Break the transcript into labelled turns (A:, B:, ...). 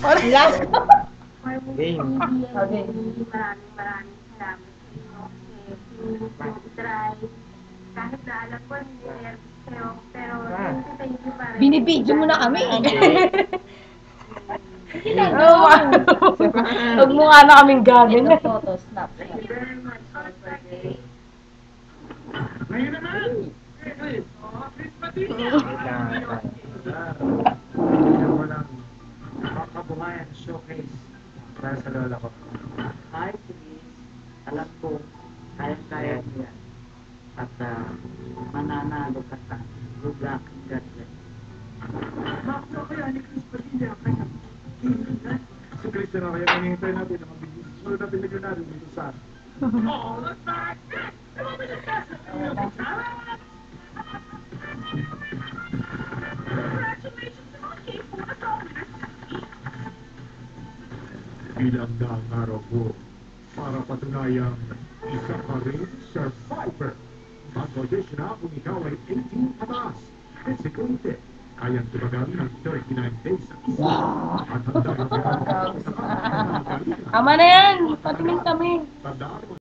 A: Last.
B: Game.
A: Okay.
C: Maraming salamat sa inyo kasi try. Kahit na alam ko hindi nervous kayo, pero thank you pa rin.
A: Binibidyo mo na kami.
D: Huwag mo nga na kaming gagawin.
A: Ito photo, snap.
C: Thank you very much for today.
E: Ngayon naman! Chris!
B: Wait lang.
E: Kailangan ko lang makabuhayan showcase para sa lola ko.
F: Hi, please. Alam ko, kaya-kaya mo yan. At mananalo ka sa good luck. God bless.
E: Bakit kaya ni Chris Padilla ang kanyang kaibigan? Si Chris na kaya manihintay natin ang mabigis. Sunod natin na natin dito sa all the time! Ilang na ang araw ko para patunayang isa ka rin survivor. Mag-audition na kung ikaw ay 18 pataas. Physically fit, kayang tumagal ng 39 days sa isa. At handa na
A: Tama na yan. Patingin kami.
E: Tandaan mo